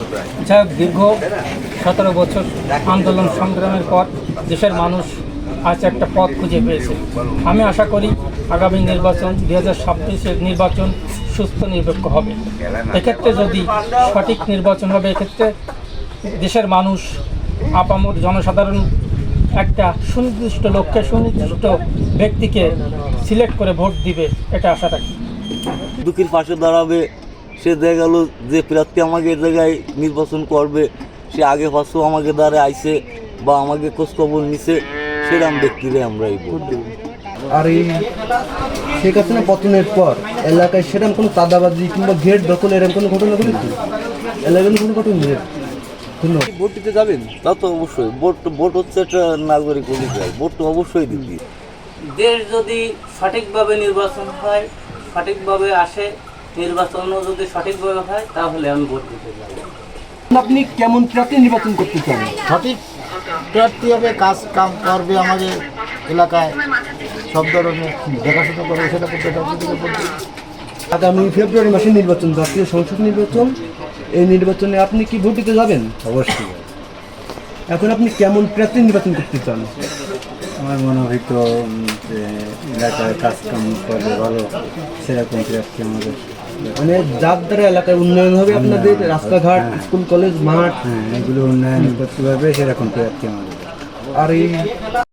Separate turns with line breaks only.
যা দীর্ঘ 17 বছর আন্দোলন সংগ্রামের পর দেশের মানুষ আজ একটা পথ খুঁজে পেয়েছে। আমি আশা করি আগামী নির্বাচন 2026-এর নির্বাচন সুস্থ নিরপেক্ষ হবে। এক্ষেত্রে যদি সঠিক নির্বাচন হবে, এক্ষেত্রে দেশের মানুষ আপামর জনসাধারণ একটা সুনির্দিষ্ট লক্ষ্যে সুনির্দিষ্ট ব্যক্তিকে সিলেক্ট করে ভোট দিবে, এটা আশা রাখি।
দুঃখীর পাশে দাঁড়াবে, সে দেখা গেল যে প্রার্থী আমাকে এ জায়গায় নির্বাচন করবে, সে আগে পাশেও আমাকে দ্বারা আইছে বা আমাকে খোঁজখবর নিছে, সেরকম ব্যক্তিরে আমরা এই ভোট দেব।
আর এই শেখ হাসিনা পতনের পর এলাকায় সেরকম কোনো চাঁদাবাজি কিংবা গেট দখল এরকম কোনো ঘটনা ঘটেছে? এলাকায় কোনো ঘটনা ধন্যবাদ।
ভোট দিতে যাবেন? তা তো অবশ্যই। ভোট হচ্ছে একটা নাগরিক অধিকার, ভোট তো অবশ্যই দিতে।
দেশ যদি সঠিকভাবে নির্বাচন হয়, সঠিকভাবে আসে, নির্বাচনও যদি সঠিকভাবে হয়, তাহলে আমি ভোট দিতে যাব।
আপনি কেমন প্রার্থী নির্বাচন করতে চান?
সঠিক প্রার্থী হবে, কাজ কাম করবে, আমাদের এলাকায় সব ধরনের দেখাশোনা করবে, সেটা করতে।
আগামী ফেব্রুয়ারি মাসে নির্বাচন, জাতীয় সংসদ নির্বাচন। এই নির্বাচনে আপনি কি ভোট দিতে যাবেন?
অবশ্যই
এখন আপনি কেমন প্রার্থী নির্বাচন করতে চান?
আমার মনে হয়তো যে এলাকায় কাজ কাম করবে ভালো, সেরকম প্রার্থী আমাদের।
মানে যার দ্বারা এলাকায় উন্নয়ন হবে, আপনাদের রাস্তাঘাট, স্কুল কলেজ, মাঠ,
এগুলো উন্নয়ন করতে পারবে, সেরকম প্রার্থী আমাদের।
আর এই